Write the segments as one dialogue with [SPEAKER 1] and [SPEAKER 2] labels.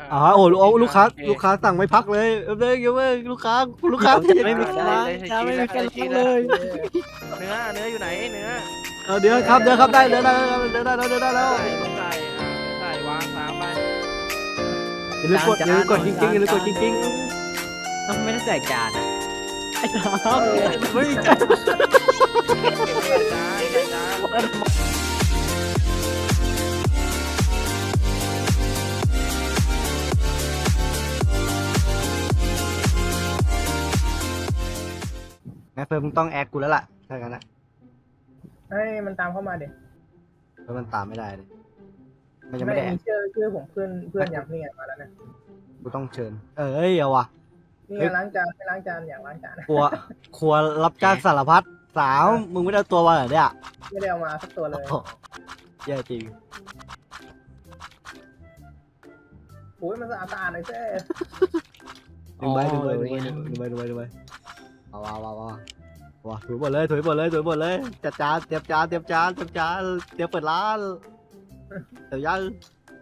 [SPEAKER 1] อ๋อโอ้ลูกค้าสั่งไม่พักเลยเดี๋ยวลูกค้า
[SPEAKER 2] ไม่มีการล้างจานไม่มีการล้างเลย
[SPEAKER 3] เนื้ออยู่ไหนเนื้อ
[SPEAKER 1] เดี๋ยวครับได้แล้ว
[SPEAKER 3] ใส่วาง3ไป
[SPEAKER 1] อย่าลืมกดกิ้ง
[SPEAKER 2] ต้องไม่ได้ใส่จานอ่ะ
[SPEAKER 1] ไอ้ถามไม่มีจาน
[SPEAKER 3] ใส่จาน
[SPEAKER 1] งั้นเฟิร์มมึงต้องแอดกูแล้วล่ะถ้างั้นนะ
[SPEAKER 4] ให้มันตามเข้ามาเด็ก
[SPEAKER 1] เพราะมันตามไม่ได้เลยมันยังไม่ได้แอ
[SPEAKER 4] มี
[SPEAKER 1] ด
[SPEAKER 4] ชื่อผมเพื่อนอย่างนี่ไงมาแล้วนะ
[SPEAKER 1] กูต้องเชิญเอาว่ะ
[SPEAKER 4] นี่ไงล้างจานไม่ล้างจานอยากล้างจาน
[SPEAKER 1] ครัวรับจ้างสารพัดสาวมึงไม่ได้เอาตัวมาเหรอเนี่ย
[SPEAKER 4] ไม่ได้เอามาสักตัวเลย
[SPEAKER 1] แย่จริง
[SPEAKER 4] โอ้ยมันสะอาดหน่อยเจ้
[SPEAKER 1] ดูไปว้าถุยหมดเลยจัดจานเตรียมจานเตรียมเปิดร้านเดี๋ยวยัง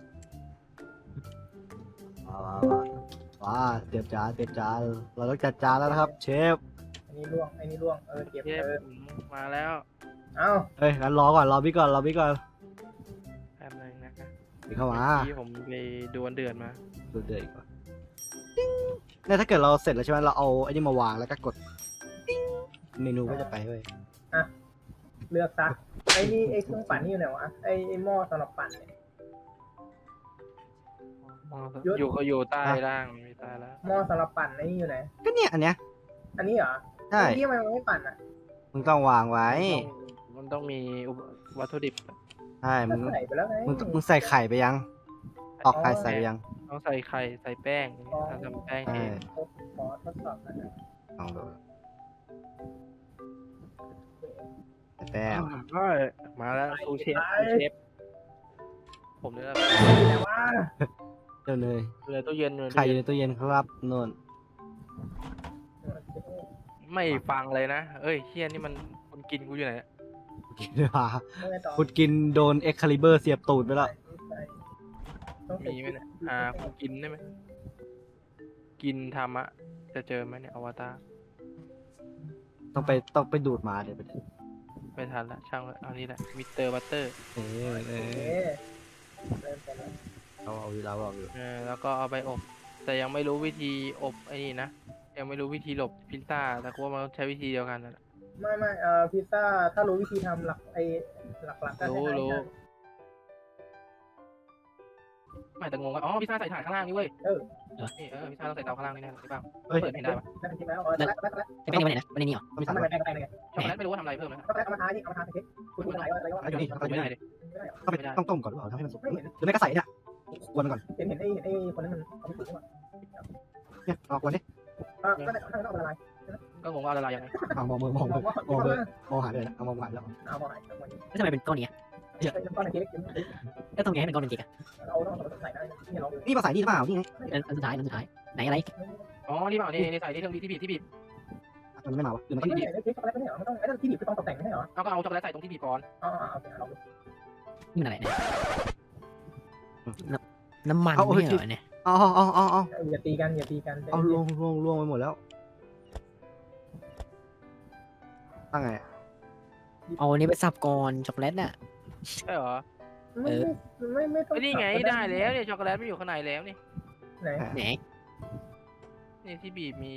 [SPEAKER 1] ว้าเตรียมจานเราต้องจัดจานแล้วนะครับเชฟ
[SPEAKER 4] อันนี้ล่วงเก็บ
[SPEAKER 3] เทปมาแล้ว
[SPEAKER 4] เอ้า
[SPEAKER 1] เฮ้ยงั้นรอพี่ก่อน
[SPEAKER 3] แป๊บนึงนะคะ
[SPEAKER 1] พี่เข้ามา
[SPEAKER 3] ที่ผมไปดูวันเดือนมา
[SPEAKER 1] ดูเดือดก่อนเนี่ยถ้าเกิดเราเสร็จแล้วใช่ไหมเราเอาไอ้นี่มาวางแล้วก็กดเมนูก็จะไปเว้ย
[SPEAKER 4] เลือกซะไอ้นี่ไอ้เครื่องปั่นนี่อยู่ไหนวะไอ้หม้อสำหรับปั่นเนี่ย
[SPEAKER 3] อยู่ใต้ล่างมีใต้แล้ว
[SPEAKER 4] หม้อสำหรับปั่นไอ้นี่อยู่ไหน
[SPEAKER 1] ก็เนี่ยอันเนี้ย
[SPEAKER 4] อันนี้เหรอ
[SPEAKER 1] ใช่
[SPEAKER 4] ที่ทำไมมันไม่ปั่นอ่ะ
[SPEAKER 1] มึงต้องวางไว้
[SPEAKER 3] มันต้องมีวัตถุดิบ
[SPEAKER 1] ใช่มึง
[SPEAKER 4] ใส่ไปแล้วไง
[SPEAKER 1] มึงใส่ไข่ไปยังตอกไข่ใส่ไปยัง
[SPEAKER 3] ต้องใส่ไข่ใส่แป้งทำแป้งเอง
[SPEAKER 4] ขอทดสอบหน่อยนะ
[SPEAKER 1] ลองดูใส่แป้ง
[SPEAKER 3] มาแล้วซูเชฟผมเนี่ย
[SPEAKER 4] แต่ว่า
[SPEAKER 1] เดี๋ยวเลย
[SPEAKER 3] เลยตู้เย็น
[SPEAKER 1] ไข่อยู่ในตู้เย็นครับนน
[SPEAKER 3] ไม่ฟังเลยนะเอ้ยเฮียนี่มันคนกินกูอยู่ไหน
[SPEAKER 1] คุณกินโดนเอ็กคาลิเบอร์เสียบตูดไปแล้ว
[SPEAKER 3] มีไหมเนี่ยคุณกินได้ไหมกินทำอะจะเจอไหมเนี่ยอวตาร
[SPEAKER 1] ต้องไปดูดมาเดี๋ยวไป
[SPEAKER 3] ไม่ทันละช่างเลยเอานี่แหละมิสเตอร์บัตเตอร์
[SPEAKER 4] โอเคเริ่มไปแล้ว
[SPEAKER 1] เอาอยู่
[SPEAKER 3] แล้วก็เอาไปอบ แต่ยังไม่รู้วิธีอบไอ้นี่นะยังไม่รู้วิธีหลบพิซซ่าแต่กูว่ามันใช้วิธีเดียวกันนั่นแหละ
[SPEAKER 4] ไม่พิซซ่าถ้ารู้วิธีทำหลักก็
[SPEAKER 3] รู้ ไม่แต่งงว่าอ๋อพิซซ่าใส่ถ่านข้างล่างนี่เว้ยนี่พิซซ่าต้องใส่เตาข้างล่างนี่แน่ใช่ป่ะเปิดไม่ได้ปะ
[SPEAKER 4] ได้เป็นจริงแล้วแล้ว
[SPEAKER 2] ไอ้แป้งนี่มันไหนนะมันในนี่เหรอ
[SPEAKER 1] ก็มีสาม
[SPEAKER 4] ทำ
[SPEAKER 1] ร
[SPEAKER 4] อะไร
[SPEAKER 1] ส
[SPEAKER 4] ไปไง
[SPEAKER 3] ช็อกโกแลตไม่รู้ว่าทำอะไรเพิ่มนะ
[SPEAKER 4] ก็เอามาทาที่เอามาทาเค้กคุณอะไรว่า
[SPEAKER 1] อยู่นี่
[SPEAKER 3] ไม่ได้ดิ
[SPEAKER 1] ต้องไปต้มก่อนหรือเปล่าทำให้มันสุกหรือไม่ก็ใส่เนี่ยกวนมันก่อน
[SPEAKER 4] เห็นไอ้คนนั้นมันเขาไม่ถูกหรอ
[SPEAKER 1] เนี่ยเอากวนดิ
[SPEAKER 4] ก็ได้ข้างนอกเป็นอะไร
[SPEAKER 3] ก็งงว่าอะไรยังไง
[SPEAKER 1] มองหาเลยนะเอามองหาแล้ว
[SPEAKER 4] เอาไป
[SPEAKER 2] แล้วทำไมเป็นก้อนนี้
[SPEAKER 4] เป็นก้อนเค้ก
[SPEAKER 2] แล้วตรงนี้ให้เป็นก้อนเป็นเค้ก
[SPEAKER 4] เราต้องใส่ได้นี่เรา
[SPEAKER 1] นี่มาใส่นี่หรือเปล่านี่ไง
[SPEAKER 2] อันสุดท้ายไหนอะไร
[SPEAKER 3] อ๋อนี่เปล่านี่ใส่ที่เครื่องที่บีบ
[SPEAKER 1] มันไม่มาวะหรือมัน
[SPEAKER 4] ไม่ได้เค้กช็อกโกแลตไม่ใช่เหรอมันต้องไอ้ที่บีบคือต้องตกแต่งไม่ใช่เหรอ
[SPEAKER 3] ก็เอาช็อกโกแลตใส่ตรงที่บีบก่อน
[SPEAKER 4] อ๋อโอเคเรา
[SPEAKER 2] นี่มันอะไรเนี่ยน้ำมันไม่เหรอเนี่ย
[SPEAKER 1] เอา
[SPEAKER 4] อย่าตีกัน
[SPEAKER 1] เอาล่วงไปหมดแล้วตั้งไง
[SPEAKER 2] เอาอันนี้ไปสับก่อนช็อกโกแลตน่ะ
[SPEAKER 3] ใช่เหรอ
[SPEAKER 4] ไม่ต้อง
[SPEAKER 3] นี่ไงได้แล้วเนี่ยช็อกโกแลตไม่อยู่ข้างในแล้วนี่
[SPEAKER 4] ไหน
[SPEAKER 2] ไหน
[SPEAKER 3] นี่ที่บีบมี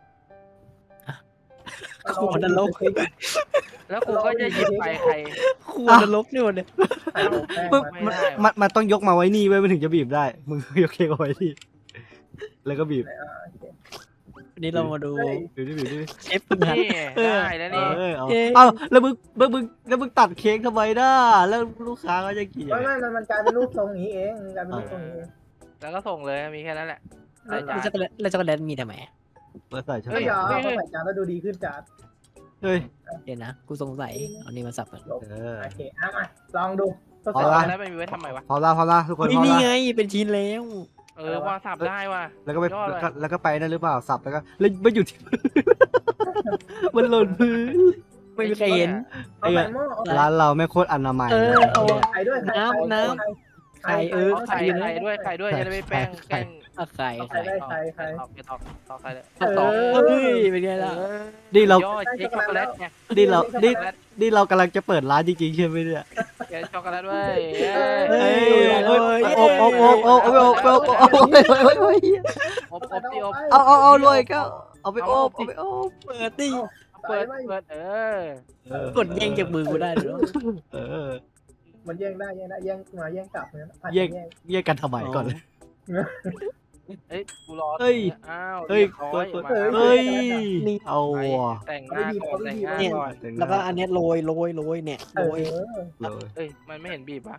[SPEAKER 2] ขวดนรก
[SPEAKER 3] แล้วกูก็จะหยิบไปใคร
[SPEAKER 2] ขวดนรกนี่หมดเลย
[SPEAKER 1] มันต้องยกมาไว้นี่ไว้มันถึงจะบีบได้มึงยกเค้กเอาไว้ที่แล้วก็บีบ
[SPEAKER 2] วันนี้เรามาดู
[SPEAKER 1] บีบดิ
[SPEAKER 2] เชฟพึ่งหัด
[SPEAKER 3] นี่ได้แล้วนี่
[SPEAKER 1] เอาแล้วมึงตัดเค้กทำไมน่ะแล้วลูกค้าก็จะกิน
[SPEAKER 4] ไม่มันกลายเป็นรูปทรงนี้เองกลายเป็นรูปทรงนี้
[SPEAKER 3] แล้วก็ส่งเลยมีแค่นั้นแหละ
[SPEAKER 2] แล้วช็อกโกแลตมีทำไม
[SPEAKER 1] ใส่ใช่ไหม
[SPEAKER 4] ก็ยอมใส่จานแล้วดูดีขึ้นจาน
[SPEAKER 1] เฮ้ย
[SPEAKER 2] เดี๋ยวนะกูสงสัยเอานี่มาสับก่อน
[SPEAKER 4] โอเคมาลองดูทดส
[SPEAKER 1] เอา
[SPEAKER 4] อบ
[SPEAKER 1] ละ
[SPEAKER 3] แล้วไม่มีไว้ทำไมวะ
[SPEAKER 1] พอละทุกคนพอ
[SPEAKER 2] นี่
[SPEAKER 1] ละ
[SPEAKER 2] ไงเป็นชิ้นแล้ว
[SPEAKER 3] ว่าสับได้ว่ะ
[SPEAKER 1] แล้วก็ไปนั่นหรือเปล่าสับแล้วก็แล้วไม่อยู่ที่มันหล่นพื้น
[SPEAKER 2] ไม่มีใครเห็น
[SPEAKER 4] เอาใส่หม้อ
[SPEAKER 1] ร้านเราไม่โคตรอนามัย
[SPEAKER 2] เอา
[SPEAKER 4] ไข่ด้วย
[SPEAKER 2] ไข่
[SPEAKER 3] ไข่
[SPEAKER 2] อยู่นะ
[SPEAKER 3] ไข่ด้วยไข่ด้วยจะได้ไม่แป้งแกล้ง
[SPEAKER 2] ไข่
[SPEAKER 4] ใครได้ใครใคร
[SPEAKER 3] ไปตอกไข่เลย
[SPEAKER 2] ต่อเฮ้ยเป็นไงล่ะ
[SPEAKER 1] นี่เรา
[SPEAKER 3] ย่อเค้กช็อกโกแลตไง
[SPEAKER 1] นี่เรากำลังจะเปิดร้านจริงๆใช่ไหมเนี่ย
[SPEAKER 3] เค้กช็อกโกแลตเว้ย
[SPEAKER 1] เฮ้ยโอ๊บโอ๊บโอ๊บโอ๊บโอ๊บโอ๊บโอ๊บโอ๊บ
[SPEAKER 3] อบที่อบ
[SPEAKER 1] เอารวยก็เอาไปโอ๊บเอาไปโอ๊บ
[SPEAKER 2] เปิดดิ
[SPEAKER 3] เปิด
[SPEAKER 2] กดแย่งจากมือกูได้เหรอ
[SPEAKER 1] เออ
[SPEAKER 4] มันแย่งได้แย่งได้แย่งมาแย่งกลับเนี่ยผัด
[SPEAKER 1] แย่ง
[SPEAKER 4] แย่ง
[SPEAKER 1] แยกกันทำไมก่อนเลย
[SPEAKER 3] เฮ้ยกูรอ
[SPEAKER 1] เฮ้ย
[SPEAKER 3] อ้าว
[SPEAKER 1] เฮ้ย
[SPEAKER 3] เฮ้ย
[SPEAKER 1] เฮ้ยเอาว่ะ
[SPEAKER 3] แต่งหน้าก่อนแต่งหน้าก่อน
[SPEAKER 2] แล้วก็อันเนี้ยโรยเนี่ย
[SPEAKER 4] เอ
[SPEAKER 2] โร
[SPEAKER 4] อย
[SPEAKER 1] เลย
[SPEAKER 3] เอ้ยมันไม่เห็นบีบปะ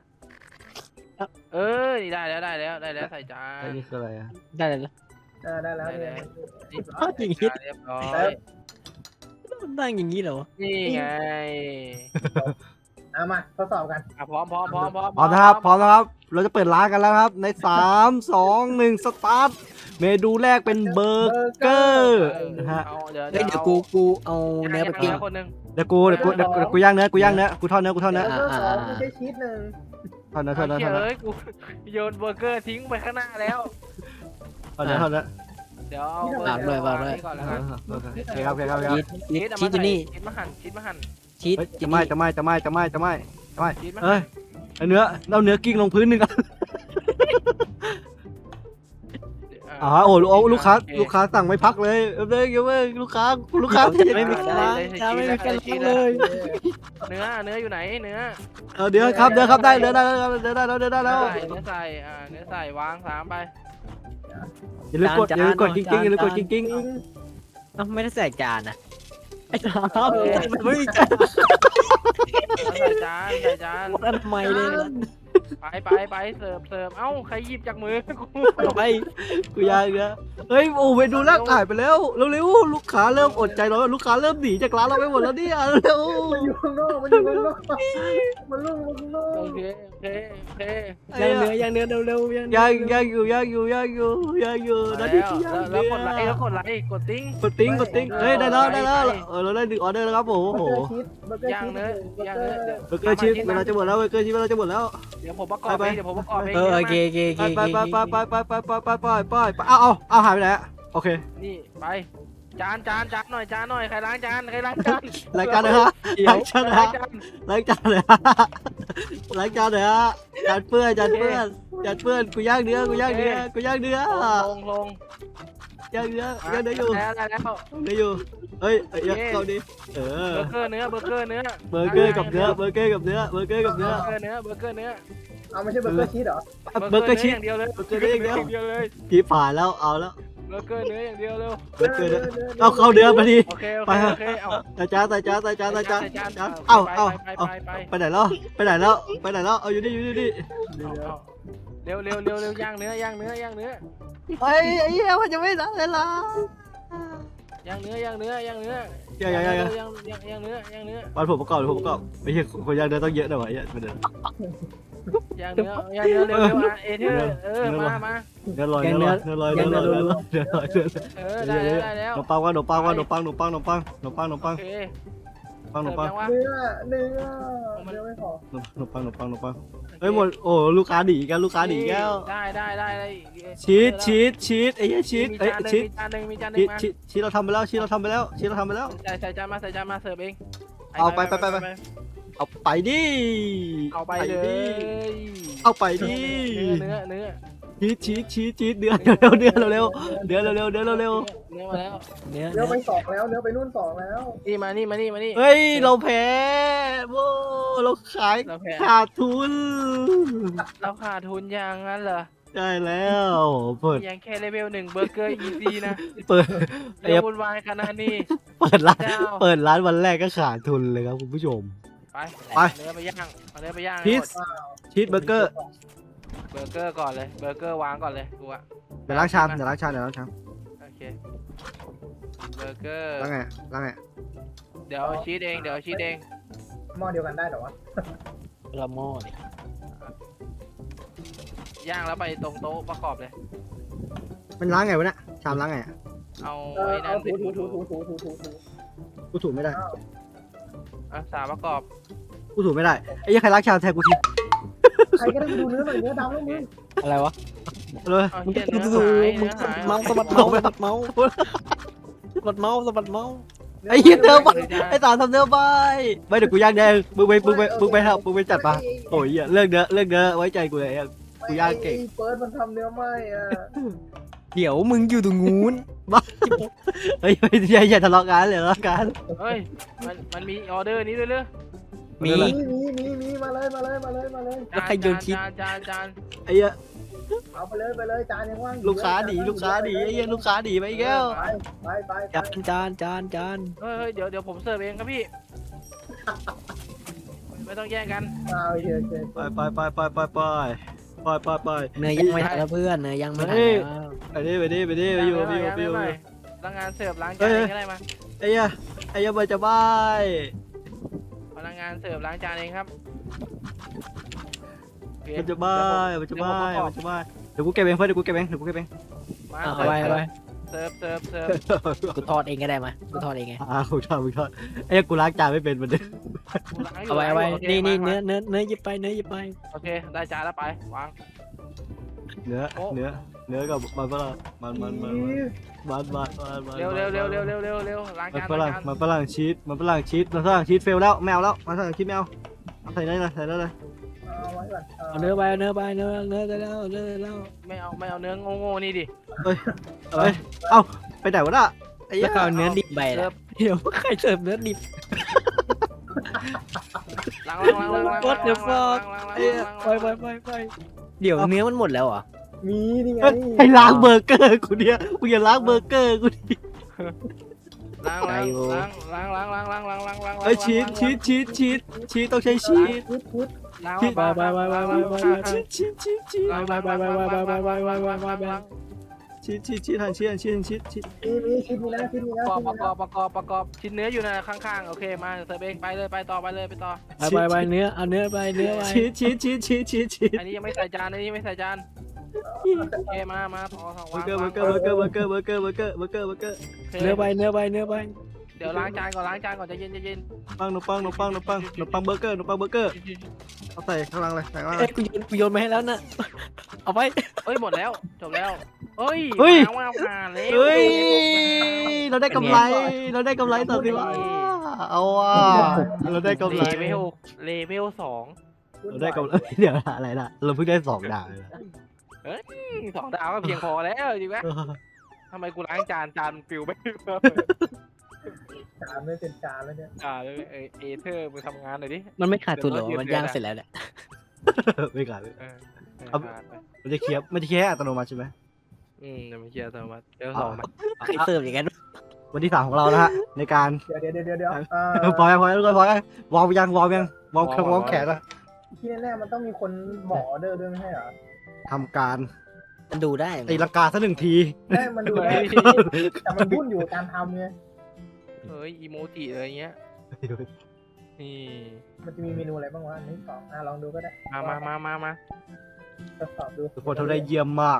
[SPEAKER 3] นี่ได้แล้วใส่จาน
[SPEAKER 1] อันนี้คืออะไรอ่ะ
[SPEAKER 2] ได้เลยนะ
[SPEAKER 4] ได้แล้วเนี่ย
[SPEAKER 3] เรียบร้อย
[SPEAKER 2] นั่งอย่างนี้เหรอ
[SPEAKER 3] นี่ไง
[SPEAKER 4] เอามาทดสอบกัน
[SPEAKER 3] พร้อม
[SPEAKER 1] พร้อมนะครับพร้อมนะครับ เราจะเปิดร้านกันแล้วครับ ใน3 2 1สตาร์ทเมนูแรกเป็นเบอร์เกอร์นะฮะ
[SPEAKER 3] เดี๋ยว
[SPEAKER 2] เฮ้ยเดี๋ยวกูเอาเนื้อไปปิ้ง
[SPEAKER 3] คนนึง
[SPEAKER 1] เดี๋ยวกูย่างเนื้อกูทอดเนื้อ
[SPEAKER 4] เบอร์เกอร์สองไม่ใช่ชีสหนึ่ง
[SPEAKER 1] ทอดเนื้อ
[SPEAKER 3] เฮ้ยกูโยนเบอร์เกอร์ทิ้งไปข้างหน้าแล้ว
[SPEAKER 1] ทอดเนื้อ
[SPEAKER 3] เดี๋ยวเอาเบอร์เกอร์วางนี่ก่อนแล้วกัน
[SPEAKER 1] โอเคครับ
[SPEAKER 2] ชีสอยู่นี่
[SPEAKER 3] ชีสมาหั่น
[SPEAKER 2] ชีส
[SPEAKER 1] จะไม่
[SPEAKER 3] ชีสมา
[SPEAKER 1] เอ้ยเนื้อกิ้งลงพื้นหนึ่งอ่ะโอ้ลูกค้าสั่งไม่พักเลยลูกค้า
[SPEAKER 2] ไม่มีการไม่มีการเลย
[SPEAKER 3] เนื้ออยู่ไหนเนื้อ
[SPEAKER 1] เดี๋ยวครับได้แล้ว
[SPEAKER 3] เนื้อใส่วาง3ไป
[SPEAKER 1] อย่าลืมกดกิ้ง
[SPEAKER 2] ไม่ได้ใส่จานนะไอ้จานไม่มีจาน
[SPEAKER 3] ใส่จาน
[SPEAKER 2] ทำไมเลย
[SPEAKER 3] ไปเสิร์ฟเอ้าใครหยิบจากมือกู
[SPEAKER 2] ไป
[SPEAKER 1] กูยากเนื้อเฮ้ยโอ้เมนูแรกถ่ายไปแล้วเร็วลูกค้าเริ่มอดใจรอลูกค้าเริ่มหนีจากร้านเราไปหมดแล้วเนี่ยเร็ว
[SPEAKER 4] มันอยู่ข้างนอกมันลุ่มข้างนอก
[SPEAKER 3] โอเค
[SPEAKER 2] ย่างเนื้อเร็ว
[SPEAKER 1] ย่างอยู่นาทีที่ย่าง
[SPEAKER 3] แล้วกดไลค์กดติ้ง
[SPEAKER 1] กดติ้งเฮ้ยได้แล้วเราได้1 ออเดอร์แล้วครับโอ้โห
[SPEAKER 4] เบอร์เกอร์ชีส
[SPEAKER 3] ย่างเนื้อ
[SPEAKER 1] เบอร์เกอร์ชีสเวลาจะหมดแล้วเบอร์เกอร์ชีสเวลาจะหมดแล้ว
[SPEAKER 3] เดี๋ยวผมประกอบเอง
[SPEAKER 2] โอเค
[SPEAKER 1] ไปเอาหายไปไหนโอเค
[SPEAKER 3] นี่ไปจานหน่อยใครล้างจาน
[SPEAKER 1] รายการเลยฮะล้างจานเลยฮะจานเปื้อนกูย่างเนื้อ
[SPEAKER 3] ลง
[SPEAKER 1] อยู่ย่างเนื้ออยู่เฮ้ยเข้าดิ
[SPEAKER 3] เบอร์เกอร์เนื้อ
[SPEAKER 1] เบอร์เกอร์กับเนื้อ
[SPEAKER 4] เอาไม่ใช่เบอร์เกอร์ชีสเหรอ
[SPEAKER 1] เบอร์เกอร์ชีส
[SPEAKER 3] อย่างเดียวเลย
[SPEAKER 1] เบอร์เกอร์เนื้ออย่างเดียว
[SPEAKER 3] เดียวเลย
[SPEAKER 1] กี่ผ่านแล้วเอาแล้ว
[SPEAKER 3] เบอร์เกอร์เนื้ออย่างเดียวเร็ว
[SPEAKER 1] เบอร์เกอร์เนื้อเอาเข้าเนื้อมาดิ
[SPEAKER 3] โอเคเอา
[SPEAKER 1] ใส่จานเอาไปไหนแล้วเอาอยู่นี่
[SPEAKER 3] เร็วย่างเนื้อย่างเนื้อ
[SPEAKER 1] เฮ้ยไอ้เหี้ยมันจะไม่ได้เลยล่ะ
[SPEAKER 3] ย่างเนื้อ
[SPEAKER 1] ย่าง
[SPEAKER 3] เนื้อ
[SPEAKER 1] วันผมประกอบไม่ใช่คนย่างเนื้อต้องเยอะหน่อยวะประเด็น
[SPEAKER 3] ย่างเนื้อเร็วเอเธอมา
[SPEAKER 1] เนื้อลอยได้
[SPEAKER 3] แล้ว
[SPEAKER 1] ขนมปังโอเค
[SPEAKER 4] เนื้อไม่พอ
[SPEAKER 1] ขนมปังเฮ้ยหมดโอ้ลูกค้าหนีกัน
[SPEAKER 3] ได้
[SPEAKER 1] ชีสไอ้เหี้ยชีส
[SPEAKER 3] มีจานนึง
[SPEAKER 1] ชีสเราทำไปแล้ว
[SPEAKER 3] ใส่จานมาเสิร์ฟเอง
[SPEAKER 1] เอาไปดิ
[SPEAKER 3] เอาไปเลย
[SPEAKER 1] เอาไปดิ
[SPEAKER 3] เนื้อ
[SPEAKER 1] ชีสเนื้อเร็วเนื้อมาแล้ว
[SPEAKER 4] เนื้อไป2แล้วเนื้อไปนู่น2แล้ว
[SPEAKER 3] นี่มานี่
[SPEAKER 1] เฮ้ยเราแพ้โว้เราขายขาดทุน
[SPEAKER 3] เราขาดทุนอย่างนั้นเหรอ
[SPEAKER 1] ใช่แล้วเปิด
[SPEAKER 3] ยังแค่เลเวล1เบอร์เกอร์ easy นะ
[SPEAKER 1] เปิด
[SPEAKER 3] เดี๋ยววุ่นวายขนาดนี้
[SPEAKER 1] เปิดร้านวันแรกก็ขาดทุนเลยครับคุณผู้ชม
[SPEAKER 3] ไปเนื้อไปย่าง
[SPEAKER 1] ชีสเบอร์เกอร์
[SPEAKER 3] เบอร์เกอร์ก่อนเลยเบอร์เกอร์วางก่อนเลยกูอะ
[SPEAKER 1] เดี๋ยวล้างชาม
[SPEAKER 3] โอเคเบอร์เกอร์
[SPEAKER 1] ล้างไง
[SPEAKER 3] เดี๋ยวชีสเอง
[SPEAKER 4] หม้อเดียวกันได้เหรอวะ
[SPEAKER 2] ละหม้อเนี่ย
[SPEAKER 3] ย่างแล้วไปตรงโต๊ะประกอบเลย
[SPEAKER 1] มันล้างไงวะเนี่ยชามล้างไง
[SPEAKER 3] เอาไอ้นั่น
[SPEAKER 4] ถู
[SPEAKER 1] กูถูไม่ได้
[SPEAKER 3] สาประกอบ
[SPEAKER 1] กูถูไม่ได้ไอ้ยังใครล้างชามแทนกูที
[SPEAKER 4] ใครก็ได้ดูเนื้อหน่อยเนื้อดำแล้วมึง
[SPEAKER 2] อะไรวะ
[SPEAKER 1] เลย
[SPEAKER 3] เอา
[SPEAKER 2] มึง
[SPEAKER 3] เหี้ย
[SPEAKER 2] ดู
[SPEAKER 3] เนื้อ
[SPEAKER 2] ดู
[SPEAKER 3] หาย
[SPEAKER 2] มึ
[SPEAKER 3] เนื้
[SPEAKER 2] ง
[SPEAKER 3] อ
[SPEAKER 2] สะ
[SPEAKER 3] หาย
[SPEAKER 2] บัดเมาส์สะบัดเมาส์สะบัดเมาส์สะบัดเมาส์สะบัดเมาส์
[SPEAKER 1] ไอ้เหี้ยเนื้อใบไอ้สารทำเนื้อใบไม่เดี๋ยวกูย่างแดงมึงไปครับมึงไปจัดปะโอ้ยเรื่องเนื้อไว้ใจกูเลยกูย่างเก่ง
[SPEAKER 4] ไอ้เฟิร์สมันทำเนื้อไหม้อ่ะ
[SPEAKER 2] เดี๋ยวมึงอยู่ตรงนู้น
[SPEAKER 1] เฮ้ยอย่าทะเลาะกันเลยทะเลาะกัน
[SPEAKER 3] เฮ้ยมันมีออเดอร์นี้ด้วยเหรอ
[SPEAKER 2] มี
[SPEAKER 4] มีมาเลย
[SPEAKER 2] แล้วใครโยนชิ้น
[SPEAKER 3] จาน
[SPEAKER 1] ไอ้เหี้ย
[SPEAKER 4] เอาไปเลยจานยังว่างอยู่
[SPEAKER 1] ลูกค้าหนีไอ้เหี้ยลูกค้าหนีไปอีกแล้ว
[SPEAKER 4] ไป
[SPEAKER 2] จาน
[SPEAKER 3] เฮ้ยเดี๋ยวผมเสิร์ฟเองครับพี่ไม่ต้องแย่งกัน
[SPEAKER 4] โอเค
[SPEAKER 1] ไป
[SPEAKER 2] เนื้อย่างไม่ทันแล้วเพื่อนเนื้อย่างไม่ทันแล้ว
[SPEAKER 1] ไปดิไปอยู่
[SPEAKER 3] พนักงานเสิร์ฟล้างจานเองก็ได้มา
[SPEAKER 1] ไอ้เหี้ยมันจะบ้าย
[SPEAKER 3] พนักงานเสิร์ฟล้างจานเองครับโอเค
[SPEAKER 1] มันจะบ้ายเดี๋ยวกูเก็บเองเพื่อนเดี๋ยวกูเก็บเอง
[SPEAKER 3] มา
[SPEAKER 2] เอาไป
[SPEAKER 3] เสิร์ฟ
[SPEAKER 2] กูทอดเองก็ได้มากูทอดเองไง
[SPEAKER 1] มึงทอดไอ้กูล้างจานไม่เป็นมันเด้
[SPEAKER 2] เอาไว้นี่เนื้อหยิบไป
[SPEAKER 3] โอเคได้จานแล้วไปวาง
[SPEAKER 1] เนื้อกับมันฝรั่งมัน
[SPEAKER 3] เร็วล้างจาน
[SPEAKER 1] มันฝรั่งชีสเฟลแล้วแมวแล้วมันฝรั่งชีสแมวเอาใส่ได้เลย
[SPEAKER 4] เอาไว้ก่อน
[SPEAKER 2] เอาเนื้อไปได้แล้ว
[SPEAKER 3] ไม่เอาเนื้อโง่ๆนี่ดิ
[SPEAKER 1] ไปไหนวะน่ะไอ้
[SPEAKER 2] แล้วก็เอาเนื้อดิบไป
[SPEAKER 3] เสิ
[SPEAKER 2] แล้
[SPEAKER 3] ร์
[SPEAKER 2] ว
[SPEAKER 3] ฟ
[SPEAKER 2] เดี๋ยวใครเสิร์ฟเนื้อดิบ
[SPEAKER 3] ล้าง
[SPEAKER 2] ไปเดี๋ยวเนื้อมันหมดแล้วเหรอ
[SPEAKER 4] มีนี่ไง
[SPEAKER 1] ให้ล้างเบอร์เกอร์กูเนี่ยกูอย่าล้างเบอร์เกอร์กูดิ
[SPEAKER 3] ล้าง
[SPEAKER 1] เฮ้ยชีสต้องใช้ชีส
[SPEAKER 4] พุด
[SPEAKER 3] ล้าง
[SPEAKER 1] ชีส
[SPEAKER 2] ไป
[SPEAKER 1] หั่นชีส
[SPEAKER 4] มีชิ้นมีนะ
[SPEAKER 3] ประกอบชิ้นเนื้ออยู่นะข้างๆโอเคมาเสิร์ฟเองไปเลยไปต่อ
[SPEAKER 2] ไปเนื้อเอาเนื้อไป
[SPEAKER 1] ชีส
[SPEAKER 3] อันนี้ยังไม่ใส่จานโอเคมาต่อวาง
[SPEAKER 1] เบอร์เกอร์
[SPEAKER 2] เนื้อไป
[SPEAKER 3] เดี๋ยวล้างจานก่อนใจเย็น
[SPEAKER 1] ปังเบอร์เกอร์เอาใส่ข้างล่างเลยใส่ข้างล่าง
[SPEAKER 2] เอ้ยกูโยนมาให้แล้วนะเอาไป
[SPEAKER 3] เอ้ยหมดแล้วจบแล้วเฮ้ยล้างผ่านแล้ว
[SPEAKER 1] เฮ้ยเราได้กำไรต่อสิวะเอาว่ะเราได้กำไร
[SPEAKER 3] เลเวล2
[SPEAKER 1] เราได้กำไรเดี๋ยวอะไรล่ะเราเพิ่งได้2 ดาวเลย
[SPEAKER 3] 2 ดาวก็เพียงพอแล้วจริงไหมทำไมกูล้างจานปิวไม่
[SPEAKER 4] จานไม่เป็นจานแล้วเนี่ย
[SPEAKER 3] เอเธอร์มึงทำงานหน่อยดิ
[SPEAKER 2] มันไม่ขาดทุนหรอมันย่างเสร็จแล้วแหละ
[SPEAKER 1] ไม่ขาดเลยมันจะเคลียร์อัตโนมัติใช่ไหม
[SPEAKER 3] เดี๋ยวมันเคลียร์ตัวมาเดี๋ยว2มา
[SPEAKER 2] ใครเสิร์ฟอย่างนั้น
[SPEAKER 1] วันที่3ของเรานะฮะในการ
[SPEAKER 4] เดี๋ยว
[SPEAKER 1] พอยังวอร์มแขนนะ
[SPEAKER 4] ที่แน่ๆมันต้องมีคนบอกออเดอร์ด้วยไม่ใช่เหรอ
[SPEAKER 1] ทำการ
[SPEAKER 2] มันดูได้
[SPEAKER 1] ตีลังกาซะ1 ที
[SPEAKER 4] ได้มันดูได้แต่มันวุ่นอยู่การทำไง
[SPEAKER 3] เฮ้ยอีโมจิอะไรเงี้ยนี่
[SPEAKER 4] มันจะมีเมนูอะไรบ้างวะ1 2ลองดูก็ได้
[SPEAKER 3] มา
[SPEAKER 4] ทดสอบดู
[SPEAKER 1] ทุกคนทำได้เยี่ยมมาก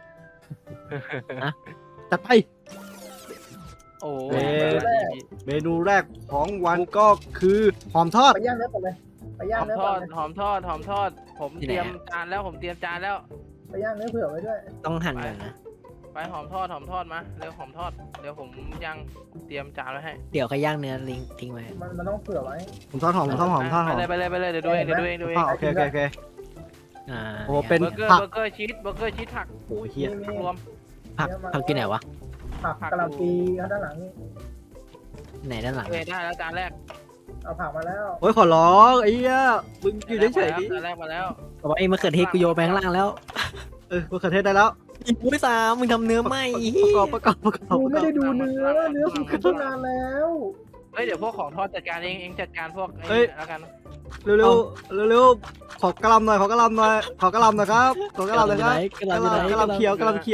[SPEAKER 1] จัดไป
[SPEAKER 3] โอ้
[SPEAKER 1] เมนูแรกของวันก็คือหอมทอด
[SPEAKER 4] ไปย่างเนื้อก่อนเลยไปย่างเนื้อ
[SPEAKER 3] ท
[SPEAKER 4] ก่
[SPEAKER 3] อ
[SPEAKER 4] อน
[SPEAKER 3] ด
[SPEAKER 4] เลย
[SPEAKER 3] หอมทอดผมเตรียมจานแล้ว
[SPEAKER 4] ไปย่างเนื้อเผื่อไว้ด้วย
[SPEAKER 2] ต้องหั่นก่อนนะ
[SPEAKER 3] ไปหอมทอดมาเร็วหอมทอดเดี๋ยวผมย่างเตรียมจานไว้ให้
[SPEAKER 2] เดี๋ยวใครย่างเนื้อทิ้งไว้
[SPEAKER 4] มันต้องเผื่อไว้
[SPEAKER 1] ผมทอดหอม
[SPEAKER 3] ไปเลยเดี๋ยวดูเอง
[SPEAKER 1] โอเค
[SPEAKER 2] อ่า
[SPEAKER 1] โอ้เป็น
[SPEAKER 3] เบอร์เกอ
[SPEAKER 1] ผัก
[SPEAKER 3] ร์ชีสผัก
[SPEAKER 1] โอ้ยเฮีย
[SPEAKER 3] รวม
[SPEAKER 2] ผักกินไหนวะ
[SPEAKER 4] ผักกะหล่ำปีด้านหลังนี่
[SPEAKER 2] ไหนด้านหลัง
[SPEAKER 3] ได้แล้วจานแรก
[SPEAKER 4] เอาผักมาแล้ว
[SPEAKER 1] โอ้ยขอร้องไอ้เหี้ยมึงอยู่เฉยๆดิ
[SPEAKER 3] จานแรกมาแล้ว
[SPEAKER 2] บอกว่าไอ้มะเขือเทศกูโยนไปข้างล่างแล้ว
[SPEAKER 1] มะเขือเทศได้แล้ว
[SPEAKER 2] อีกไม่3มึงทำเนื้อไหม
[SPEAKER 1] ประกอบ
[SPEAKER 4] กูไม่ได้ดูเนื้อกูคิดตั้งนานแล้ว
[SPEAKER 3] เฮ้ยเดี๋ยวพวกของทอดจัดการเองจัดการพวกแล้วกัน
[SPEAKER 1] เร็วขอกระลำหน่อยครับขอกระลำหน่อยครับกระลำเขียว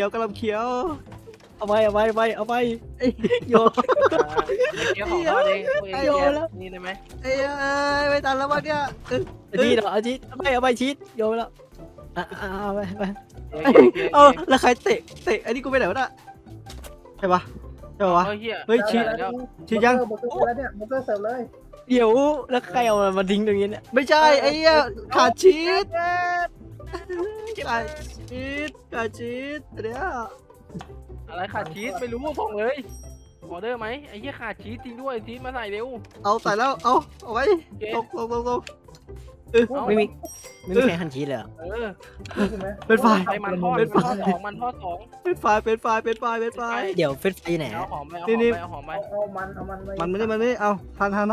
[SPEAKER 2] เอาไปโยน
[SPEAKER 3] เกี่ยวของทอดเองนี่ได้ไหม
[SPEAKER 1] เอ้ยไม่ทันแล้ววะเนี่ย
[SPEAKER 2] ชีสเอาชีสเอาไปชีสโยนแล้วเอาไป
[SPEAKER 1] แล้วใครเตะไอ้นี่กูไปไหนวะน่ะใช่ปะ
[SPEAKER 3] เฮ้ย
[SPEAKER 1] เฮ้ยชีสยัง
[SPEAKER 4] เบอร์เกอร์แล้วเนี่ยเบอร์เกอร์เสิร์ฟเลย
[SPEAKER 2] เดี๋ยวแล้วใครเอามาทิ้งตรงนี้เนี่ย
[SPEAKER 1] ไม่ใช่ไอ้เหี้ยขาดชีสขาดชีสขาดชีสเดี๋ยว
[SPEAKER 3] อะไรขาดชีสไม่รู้ส่งเลยออเดอร์ไหมไอ้เหี้ยขาดชีสจริงด้วยชีสมาใส่เร็ว
[SPEAKER 1] เอาใส่แล้วเอาไว้
[SPEAKER 3] โอเค
[SPEAKER 1] ตก
[SPEAKER 3] เอา
[SPEAKER 2] ไม่มีใครหั่นชีสเลยเหรอ
[SPEAKER 3] เออ
[SPEAKER 4] ใช่ไหม
[SPEAKER 1] เป็นไฟ
[SPEAKER 3] ไปมันทอดมันทอดสองมันทอดสอง
[SPEAKER 1] เป็นไฟ
[SPEAKER 2] เดี๋ยวเฟสไฟไหน
[SPEAKER 3] เอา
[SPEAKER 2] อะ
[SPEAKER 3] หอมไปเอาห
[SPEAKER 1] นี่
[SPEAKER 3] อมไปเอาหอมไป
[SPEAKER 4] เอามันไว้
[SPEAKER 1] มันไม่ได้เอาหัน
[SPEAKER 3] หัน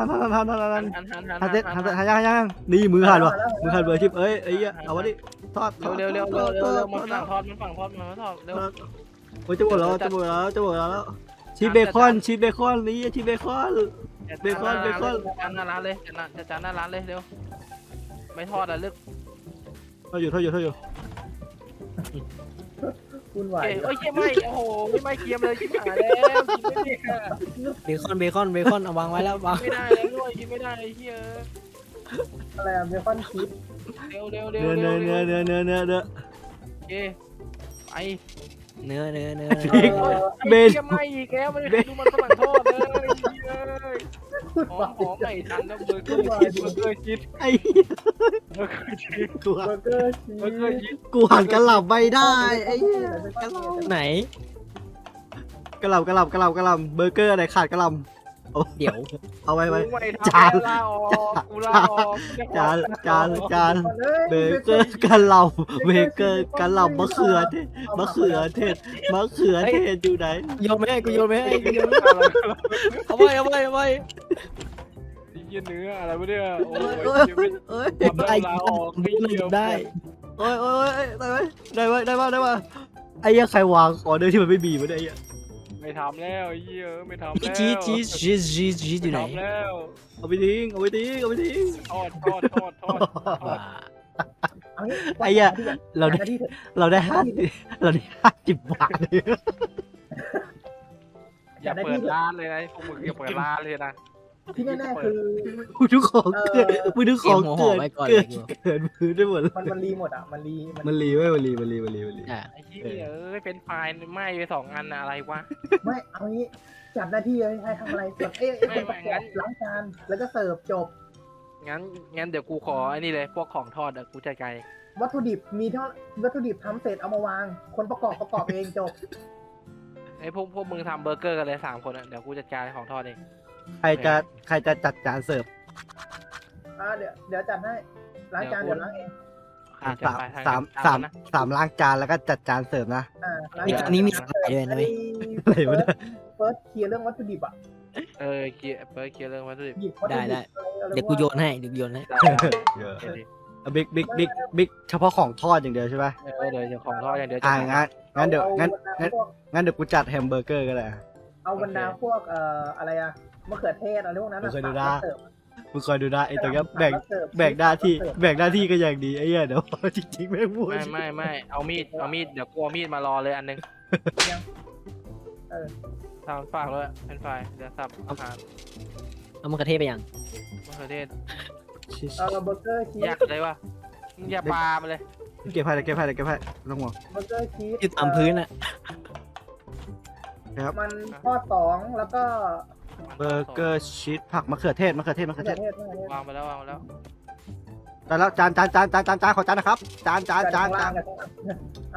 [SPEAKER 1] ยังนี่มือหันวะมือหันเบอร์ชิปเอ้ยไอ้เหี้ยเอาวะดิทอด
[SPEAKER 3] เร็วมันฝั่งทอดมันฝั่งทอดเร็ว
[SPEAKER 1] โอ้ยจะหมดแล้วชีสเบคอนนี่ชีสเบคอน เบคอน
[SPEAKER 3] จานหน้าร้านเลยจะจานหน้าร้านเลยเร็วไม่ทอดอ่ะเลือก
[SPEAKER 1] ทอดอยู่
[SPEAKER 4] คุณไหว
[SPEAKER 3] เอ้ยไม่โอ้โหไม่เกียมเลยชิบหายแล้วกินไม่ได้
[SPEAKER 2] เบคอนเอาวางไว้แล้ววาง
[SPEAKER 3] ไม่ได้แล้วด้วยกินไม่ได้ไอ้เหี้ย
[SPEAKER 4] อะไรอะเบคอนชีส
[SPEAKER 3] เร็ว
[SPEAKER 1] เนื้อ
[SPEAKER 3] โอเคไป
[SPEAKER 2] เนื้อ
[SPEAKER 1] เบ
[SPEAKER 3] เบ
[SPEAKER 1] น
[SPEAKER 3] นไม่อีกแล้วไม่ได้ดูมันฝรั่งทอดเลยหอมไม่ทันแล้วเบอร์เกอร์ชีส
[SPEAKER 1] ไอ้
[SPEAKER 3] เบอร์เกอร์ชีส
[SPEAKER 1] กู
[SPEAKER 4] เบอร์เกอร์ชี
[SPEAKER 3] เบอร์เกอร์
[SPEAKER 4] ส
[SPEAKER 3] ชีส
[SPEAKER 1] กูหันกระหล่ำไม่ได้ไอ้
[SPEAKER 2] ไหน
[SPEAKER 1] กระหล่ำเบอร์เกอร์ไหนขาดกระหล่ำ
[SPEAKER 2] เดี๋ยว
[SPEAKER 1] เอาไว้
[SPEAKER 3] จานลาออกกูลาออก
[SPEAKER 1] จานเบเกอร์กระหล่ำมะเขือเทศอยู่ไหน
[SPEAKER 2] โยนไม่ให้กูโยนไม่ให้เอาไว้
[SPEAKER 3] เยี่ยเนื้ออะไรวะเนี่ยโอ้ย
[SPEAKER 1] เอ้ย
[SPEAKER 2] ได้ได้
[SPEAKER 1] โอ้ยได้ป่ะไอ้เหี้ยใครวางออเดอร์ที่มันไม่มีมาได้ยัง
[SPEAKER 3] ไม่ทำแล้วเยี่ยไม่ทำแล้ว
[SPEAKER 2] ชีสอยู่ไหน
[SPEAKER 3] ทำแล้ว
[SPEAKER 1] เอาไปทิ้ง
[SPEAKER 3] ทอด
[SPEAKER 1] ไอ้เหี้ยเราได้50 บาทเลย
[SPEAKER 3] อย่าเปิดร้านเลยนะพวกมึงอย่าเปิดร้านเลยนะ
[SPEAKER 4] ที่แน่ๆคือ
[SPEAKER 1] มึงทุกของเกิดมือได้หมด
[SPEAKER 4] มันรีหมดอ่ะมันรี
[SPEAKER 1] มันรี
[SPEAKER 2] อ่ะ
[SPEAKER 3] ไอ้เหี้ยเป็นไฟล์ไหม้ไป2 อันอะไรวะ
[SPEAKER 4] ไม่เอางี้จัดหน้าที่เลยให้ทำอะไรแบบคนประกอบล้างจานแล้วก็เสิร์ฟจบ
[SPEAKER 3] งั้นเดี๋ยวกูขอไอ้นี่เลยพวกของทอดกูจัดการ
[SPEAKER 4] วัตถุดิบมีเท่าวัตถุดิบทำเสร็จเอามาวาง คนประกอบเองจบ
[SPEAKER 3] ไอ้พวกมึงทำเบอร์เกอร์กันเลย3 คนเดี๋ยวกูจัดการของทอดเอง
[SPEAKER 1] ใครจะจัดจานเสิร์ฟ
[SPEAKER 4] เดี๋ยวจัดให้ล้างจานเดี๋ยวล้างเอง
[SPEAKER 1] สามล้างจานแล้วก็จัดจานเสิร์ฟนะ
[SPEAKER 4] ล้าง
[SPEAKER 2] นี่
[SPEAKER 4] จา
[SPEAKER 2] อันนี้มีสายด้วยนะเว้ย
[SPEAKER 1] อะไรวะเนี่ย
[SPEAKER 4] เฟิร์สเคลียร์เรื่องวัตถุดิบอ่ะ
[SPEAKER 3] เคลียร์เรื่องวัตถุดิบ
[SPEAKER 4] หยิบวัตถุดิบ
[SPEAKER 2] เดี๋ยวกูโยนให้
[SPEAKER 1] บิ๊กเฉพาะของทอดอย่างเดียวใช่ไหม
[SPEAKER 3] เดี๋ยวของทอดอย่างเดียว
[SPEAKER 1] งั้นเดี๋ยวกูจัดแฮมเบอร์เกอร์ก็ได้
[SPEAKER 4] เอาบรรดาพวกอะไรอะมะเขือเทศอะไรพวกนั้น
[SPEAKER 1] มึงคอยดูนะไอ้ตัวนี้แบ่งหน้าที่ก็อย่างดีไอ้เหี้ยเดี๋ยวจริงๆไม่พูด
[SPEAKER 3] ไม่เอามีดเดี๋ยวกูเอามีดมารอเลยอันนึงทำฝากเลยเป็นไฟเดี๋ยวสับอาหาร
[SPEAKER 2] เอามะเขือเทศไปยัง
[SPEAKER 3] มะเขือเทศ
[SPEAKER 4] เบอร์เกอร์ชีส
[SPEAKER 3] อยากเลยวะอย่าปามาเลย
[SPEAKER 1] เก็บให้ต้องห่วง
[SPEAKER 4] เบอร์เกอร์ชีส
[SPEAKER 2] อยู่ตามพื้นอ่ะ
[SPEAKER 4] มันทอด2แล้วก็
[SPEAKER 1] เบอร์เกอร์ชีสผักมะเขือเทศ
[SPEAKER 4] มะเขือเทศ
[SPEAKER 3] วางไปแล้ว
[SPEAKER 1] แต่แล้วจานขอจานนะครับจาน
[SPEAKER 4] เอา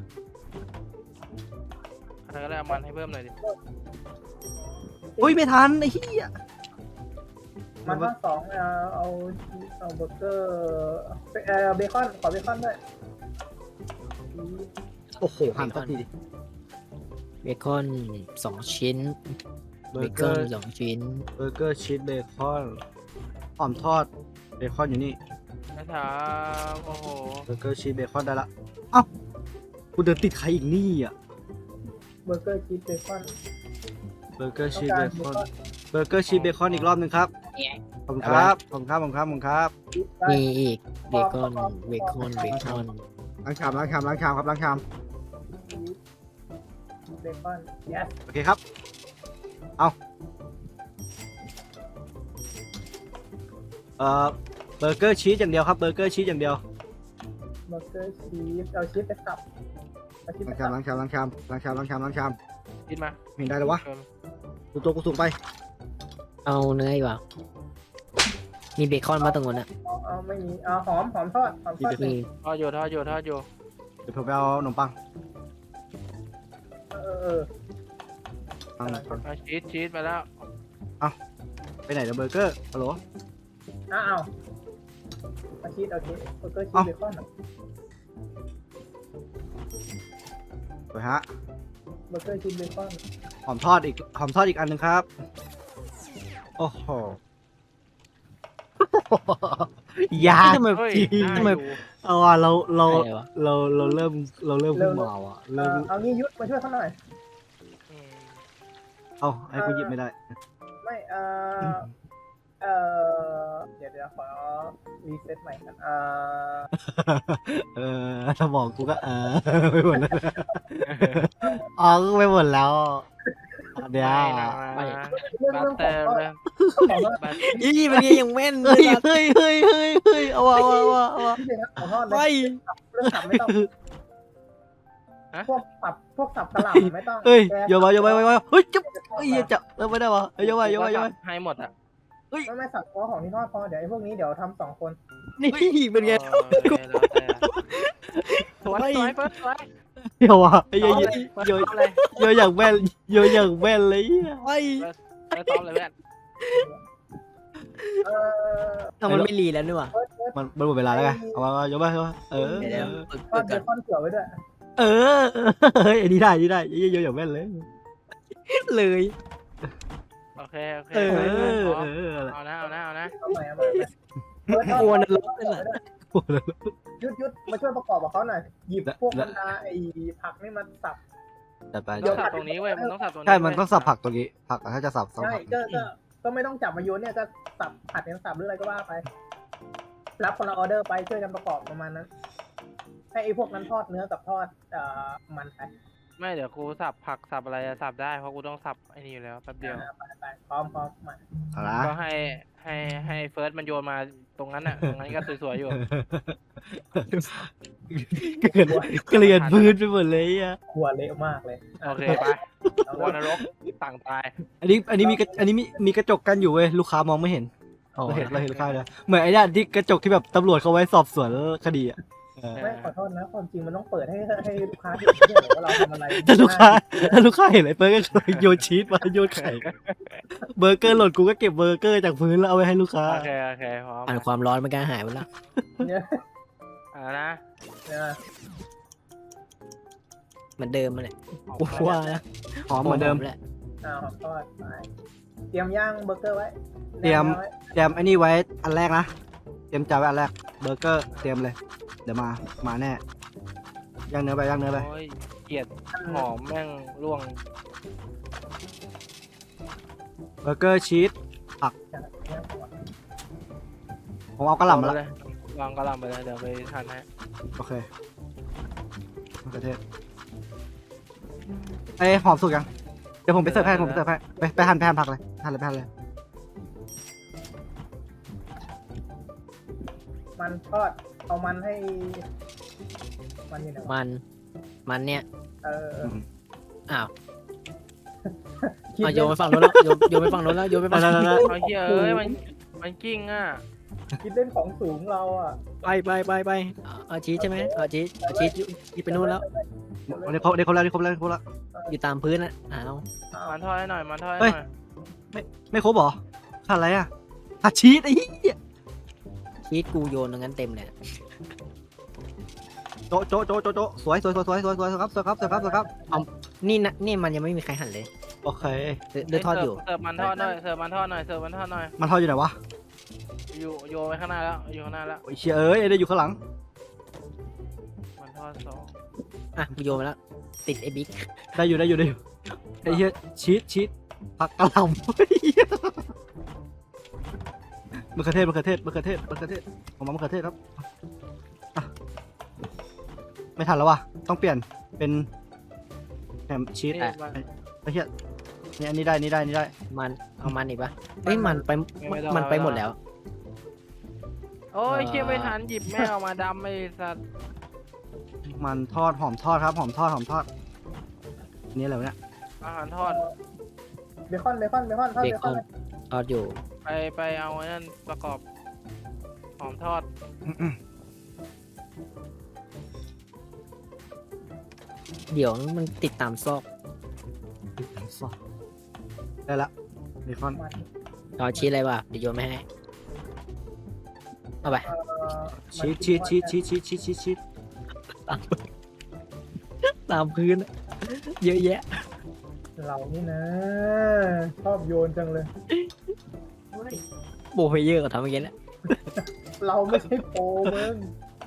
[SPEAKER 3] อะไรก็ได้เอามันให้เพิ่มหน่อยดิ
[SPEAKER 1] อุ้ยไม่ทันไอ้เหี้ย
[SPEAKER 4] มันทอด2เอาเบอร์เกอร์เบคอนขอเบคอนด้วย
[SPEAKER 1] โอ้โหหั่นสักทีดิ
[SPEAKER 2] เบคอน2 ชิ้น
[SPEAKER 1] เบ
[SPEAKER 2] เบ
[SPEAKER 1] อร์
[SPEAKER 2] ค
[SPEAKER 1] เก
[SPEAKER 2] อ
[SPEAKER 1] อน ร์
[SPEAKER 2] 2 ชิ้น
[SPEAKER 1] เบอร์เกอร์ชีสเบคอนหอมทอดเบคอนอยู่นี่
[SPEAKER 3] นะครับโอ้โห
[SPEAKER 1] เบอร์เกอร์ชีสเบคอนได้ละเอ้ากูเดินติดใครอีกนี่อ่ะ
[SPEAKER 4] เบอร์เกอร์ชีสเบคอน
[SPEAKER 1] เบอร์เกอร์ชีสเบคอนเบอร์เกอร์ชีสเบคอนอีกรอบนึงครับขอบคุณครับขอบคุณครับ
[SPEAKER 2] มีอีกเบคอน
[SPEAKER 1] ล้างชามครับล้างชาม
[SPEAKER 4] เบคอน yes
[SPEAKER 1] โอเคครับเอาเบอร์เกอร์ชีสอย่างเดียวครับเบอร์เกอร์ชีสอย่างเดียว
[SPEAKER 4] เบอร์เกอร์ชีสเอาชีสไปสับเอาชีสไปสับ
[SPEAKER 1] ล้างชาม
[SPEAKER 3] กินมา
[SPEAKER 1] เห็นได้เลยวะกูสูงไป
[SPEAKER 2] เอาเนื้ออีกว่ามีเบคอนมาตรงนู้นอ่ะ
[SPEAKER 4] เอาไม่มีเอาหอมทอด
[SPEAKER 2] มี
[SPEAKER 3] ทอดอยู่ทอดอยู่ทอดอยู่
[SPEAKER 1] เดี๋ยวผมไปเอาขนมปัง
[SPEAKER 4] ปัง
[SPEAKER 3] เอาชีสไปแล้ว
[SPEAKER 1] ไปไหนเดี๋ยวเบอร์เกอร์ฮัลโหล
[SPEAKER 4] อ้าวอาชีสโอเคเบอร์เกอร์ชีสเบคอน
[SPEAKER 1] ไปฮะ
[SPEAKER 4] เบอร์เกอร์ชีสเบคอน
[SPEAKER 1] หอมทอดอีกอันหนึ่งครับ โอ้โห ยาก
[SPEAKER 2] ทำไม
[SPEAKER 3] เฮ้ย
[SPEAKER 1] จริง
[SPEAKER 3] ได้
[SPEAKER 2] ทำไม
[SPEAKER 3] อยู่
[SPEAKER 1] เอาว่ะเรา
[SPEAKER 2] อะไรวะ
[SPEAKER 1] เริ่มขึ้นมาว่ะเริ่ม
[SPEAKER 4] เอางี้ยุทธมาช่วยเขาหน่อย
[SPEAKER 3] อืม
[SPEAKER 1] เอาให้กูหยิบไม่ได้
[SPEAKER 4] ไม่เดี๋ยวขอรีเซ็ตใหม่กัน
[SPEAKER 1] สมองกูก็ไปหมดแล้วอ๋อกูไปหมดแล้วเดี๋ยว
[SPEAKER 3] ไม่นะ
[SPEAKER 2] ไม่
[SPEAKER 3] บัตเตอร์เลยบัต
[SPEAKER 2] อีมันยังแม่นเล
[SPEAKER 1] เฮ้
[SPEAKER 2] ย
[SPEAKER 1] ยเฮ้ยเฮ้ยเฮ้ยเฮ้ยเอาว่ะเอาว่ะเอาว่ะ
[SPEAKER 4] ที่เด็กขอโทษ
[SPEAKER 2] ไป
[SPEAKER 4] เลยเรื่องสับไม่ต้องพวกสับกระหล่ำไม่ต้อง
[SPEAKER 1] เฮ้ยโยนมาเฮ้ยจุ๊บเฮ้ยจะเริ่มไม่ได้วะโยนมา
[SPEAKER 3] ให้หมดอ่ะ
[SPEAKER 4] ไม่สับเพราะของที่ทอดพอเดี๋ยวไอ้พวกนี้เดี๋ยวทำ2 คน
[SPEAKER 2] นี่เป็นไง
[SPEAKER 3] แล้วแต่สวยสวยเฟิร์สสวย
[SPEAKER 1] เดี๋ยววะโย
[SPEAKER 3] โยนเลย
[SPEAKER 1] อย่างแม่นโยอย่างแม่นเลย
[SPEAKER 2] ไป
[SPEAKER 3] ไปซ้อมเลยเพื่อน
[SPEAKER 2] เอามันไม่รีแล้วนี่หว่า
[SPEAKER 1] มันหมดเวลาแล้วไงเอามาโยนมาเออ
[SPEAKER 2] เดี๋ยว
[SPEAKER 4] ทอดเบคอนเกลือไว้ด้วย
[SPEAKER 1] เออเฮ้ยอันนี้ได้โยอย่างแม่นเลย
[SPEAKER 2] เลย
[SPEAKER 3] โอเค
[SPEAKER 1] เออ
[SPEAKER 3] เอานะ
[SPEAKER 4] เอาใหม่
[SPEAKER 2] กลัวนรกนั่นแหละ
[SPEAKER 4] ยุดมาช่วยประกอบกับเขาหน่อยหยิบพวกบรรดาไอ้ผักนี่มาสับ
[SPEAKER 1] จัดไป
[SPEAKER 3] ต้องสับตรงนี้เว้ยมันต้องสับตรงนี้
[SPEAKER 1] ใช่มันต้องสับผักตรงนี้ผักถ้าจะสับ
[SPEAKER 4] ใช่
[SPEAKER 1] ผัก
[SPEAKER 4] ก็ไม่ต้องจับมาโยนเนี่ยก็สับผัดเป็นสับหรืออะไรก็ว่าไป รับคนละออเดอร์ไปช่วยกันประกอบประมาณนั้น ให้ไอ้พวกนั้นทอดเนื้อกับทอดมันไป
[SPEAKER 3] ไม่เดี๋ยวกูสับผักสับอะไรสับได้เพราะกูต้องสับไอ้นี่อยู่แล้วแป๊บเดียว
[SPEAKER 4] ไปพร้อมมา
[SPEAKER 1] เอาละ
[SPEAKER 3] ก็ให้เฟิร์สมันโยนมาตรงนั้นอ่ะตรงนั้นก็สวยๆอยู่
[SPEAKER 1] เกลียดพื้นไปหมดเลยอ่ะ
[SPEAKER 4] ครัวเละมากเลย
[SPEAKER 3] โอเคไปวานรกต่างตาย
[SPEAKER 1] อันนี้มีกระจกกันอยู่เว้ยลูกค้ามองไม่เห็นเราเห็นลูกค้าเลยเหมือนไอ้เนี่ยที่กระจกที่แบบตำรวจเขาไว้สอบสวนคดีอ่ะ
[SPEAKER 4] ไม่ขอโทษนะความจริงมันต้องเปิดให้ลูกค้าเห็นว่าเราทำอะไร
[SPEAKER 1] ถ้าลูกค้าเห็นอะไรเปิ้ลก็โยนชีสมาโยนไข่เบอร์เกอร์หล่นกูก็เก็บเบอร์เกอร์จากพื้นแล้วเอาไว้ให้ลูกค้า
[SPEAKER 3] โอเคพร้อม
[SPEAKER 2] อ่านความร้อนมันก็หายไปแล้ว
[SPEAKER 4] เนี่ย
[SPEAKER 3] นะ
[SPEAKER 2] เหมือนเดิมมาเลยกูว่านะ
[SPEAKER 1] หอมเหมือนเดิม
[SPEAKER 2] แหละ
[SPEAKER 4] ทอดไปเตรียมย่างเบอร์เกอร์ไว้
[SPEAKER 1] เตรียมไอ้นี่ไว้อันแรกนะเตรียมจานไว้อันแรกเบอร์เกอร์เตรียมเลยเดี๋ยวมาแน่ย่างเนื้อไป
[SPEAKER 3] โอ้ยเกลียดหอมแม่งร่วง
[SPEAKER 1] เบอร์เกอร์ชีสผมเอากระหล่ำมาแล้ว
[SPEAKER 3] วางกระหล่ำไปเลยเดี๋ยวไปทานให้
[SPEAKER 1] โอเคมะเขือเทศไอ้หอมสุกยังเดี๋ยวผมไปเสิร์ฟให้ไปหั่นผักเลยหั่นเลย
[SPEAKER 4] มันทอดเอามันให้มันอยู่ไหน
[SPEAKER 2] มันเนี่ย อ้าว
[SPEAKER 4] คิด
[SPEAKER 2] โยนไปฝั่งโน้นแล้วโยนไปฝั่งโน้นแล้วโยนไปฝั่งโน้นแล้ว
[SPEAKER 3] เอาเฮียเอ้ยมันกิ้งอ่ะ
[SPEAKER 4] คิดเล่นของสูงเราอ่ะ
[SPEAKER 2] ไปเอาชีสใช่ไหมเอาชีสไปนู่นแล้ว
[SPEAKER 1] วันนี้ครบแล้ว
[SPEAKER 2] อยู่ตามพื้นอ่ะอ้าว
[SPEAKER 3] มันทอดให้หน่อยมันทอดให้หน่อย
[SPEAKER 1] ไม่ครบเหรอขาดอะไรอ่ะขาดชีสไอ้เหี้ย
[SPEAKER 2] ชีสกูโยนตรงนั้นเต็มเลย
[SPEAKER 1] โจะสวยครับ
[SPEAKER 2] นี่มันยังไม่มีใครหั่นเลย
[SPEAKER 1] โอเค
[SPEAKER 2] เดือดทอดอยู่
[SPEAKER 3] เสิร์ฟมันทอดหน่อยเสิร์ฟมันทอดหน่อย
[SPEAKER 1] มันทอดอยู่ไหนวะ
[SPEAKER 3] อยู่โยนไปข้างหน้าแล้วอยู่ข้างหน้าแล้ว
[SPEAKER 1] โอ้ยเชี่ยเอ้ยได้อยู่ข้างหลัง
[SPEAKER 3] มันทอด2
[SPEAKER 2] อ่ะกูโยนไปแล้วติดไอ้บิ๊ก
[SPEAKER 1] ได้อยู่ไอ้เหี้ยชีสผักกะหล่ำมะเขือเทศผมมะเขือเทศครับไม่ทันแล้ววะต้องเปลี่ยนเป็นแฮมชีสไอ้เหี้ยนี่อันนี้ได้
[SPEAKER 2] มันเอามันอีกปะเฮ้ยมันไปหมดแล้ว
[SPEAKER 3] โอ้ยเชี่ยไม่ทันหยิบแม่เอามาดำไอ้สัตว์
[SPEAKER 1] มันทอดหอมทอดครับหอมทอดนี่อะไรวะเนี่ย
[SPEAKER 3] อาหารทอด
[SPEAKER 4] เบคอนทอด
[SPEAKER 2] เบคอนทอดอยู่
[SPEAKER 3] ไปเอาไอ้นั่นประกอบหอมทอด
[SPEAKER 2] เดี๋ยวมันติดตามซอก
[SPEAKER 1] ได้ละเบคอน
[SPEAKER 4] มัน
[SPEAKER 2] รอชี้อะไรวะเดี๋ยวโยนไม่ให้เอาไป
[SPEAKER 1] ชีสชีสชีสชีสชีสชีสชีสชีส
[SPEAKER 2] ตามพื้นอะเยอะแยะ
[SPEAKER 4] เรานี่นะ ชอบโยนจังเลย
[SPEAKER 2] โบเพเยอร์ก็ทำอย่างเงี้ยแหละ
[SPEAKER 4] เราไม่ใช่โปรมึง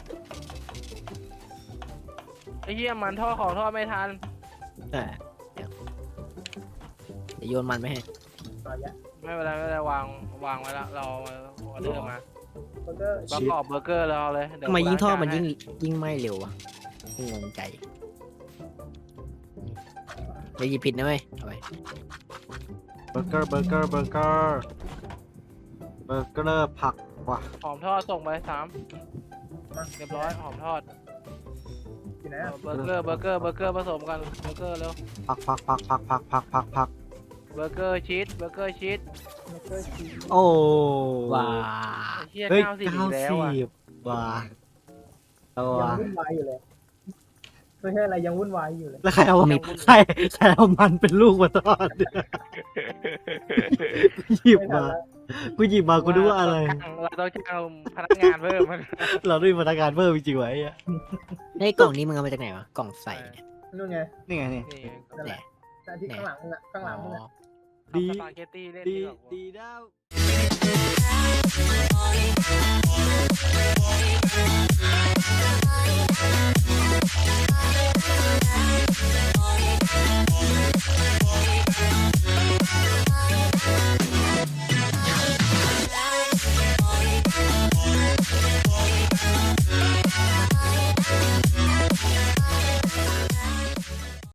[SPEAKER 3] ไอ้เหี้ยมันทอดของทอดไม่ทัน
[SPEAKER 2] เดี๋ยวโยนมันไม่ให้
[SPEAKER 4] เอาอย่า
[SPEAKER 3] ไม่เป็นไรไม่เป็นไรวางไว้แล้วเราออเดอร์มา
[SPEAKER 4] เบอร์เกอร์
[SPEAKER 3] ประกอบเบอร์เกอร์เราเลยเดี๋ว
[SPEAKER 2] ทำไมยิ่งทอดมัน
[SPEAKER 3] ล้าจาให้
[SPEAKER 2] ยิ่งไหม้เร็ววะงงใจอย่าหยิบผิดนะเว้ยเอาไป
[SPEAKER 1] เบอร์เกอร์เบอร์เกอร์เบอร์เกอร์เบอร์เกอร์ผักว่ะ
[SPEAKER 3] หอมทอดส่งไป3เรียบร้อยหอมทอด
[SPEAKER 4] อยู่ไหนอะ
[SPEAKER 3] เบอร์เกอร์ผสมกันเบอร์เกอร์เร็ว
[SPEAKER 1] ผักผัก
[SPEAKER 3] เบอร์เกอร์ชีสเบอร์เกอร์ชีส
[SPEAKER 4] เบอร์เกอร์ชีส
[SPEAKER 1] โอ้
[SPEAKER 2] ว้า
[SPEAKER 3] ไอ้เหี้ย
[SPEAKER 1] เฮ้ย
[SPEAKER 3] 90อีกแล้วอ่ะ
[SPEAKER 1] 90ว่ะเอา
[SPEAKER 4] ยัง
[SPEAKER 1] ว่ะ
[SPEAKER 4] วุ่นวายอยู่เลยไม่ใช่อะไรยังวุ่นวายอยู่เลย
[SPEAKER 1] แล้วใครเอาใครเอามันเป็นลูกมาทอดเนี่ยกูหยิบ
[SPEAKER 4] ไม่ทัน
[SPEAKER 1] มา
[SPEAKER 4] แล้ว
[SPEAKER 1] กูหยิบมากูดูว่าอะไร
[SPEAKER 3] เราต้องจ้างพนักงานเพิ่มมัน
[SPEAKER 1] เราด้วยพนักงานเพิ่มจริงๆไว้อะ
[SPEAKER 2] ไอ้กล่องนี้มึงเอามาจากไหนวะกล่องใส่เนี่ย
[SPEAKER 4] นู่นไง
[SPEAKER 1] นี่ไงนี่
[SPEAKER 3] นี่
[SPEAKER 4] นั่นแหละแต่ที่ข้างหลังมึงอะข้างหลังมึงอะ
[SPEAKER 3] ทำสปาเกตตี้เล่น
[SPEAKER 1] ดี
[SPEAKER 3] ดีกว่า
[SPEAKER 1] ดีแล้ว
[SPEAKER 5] Bye.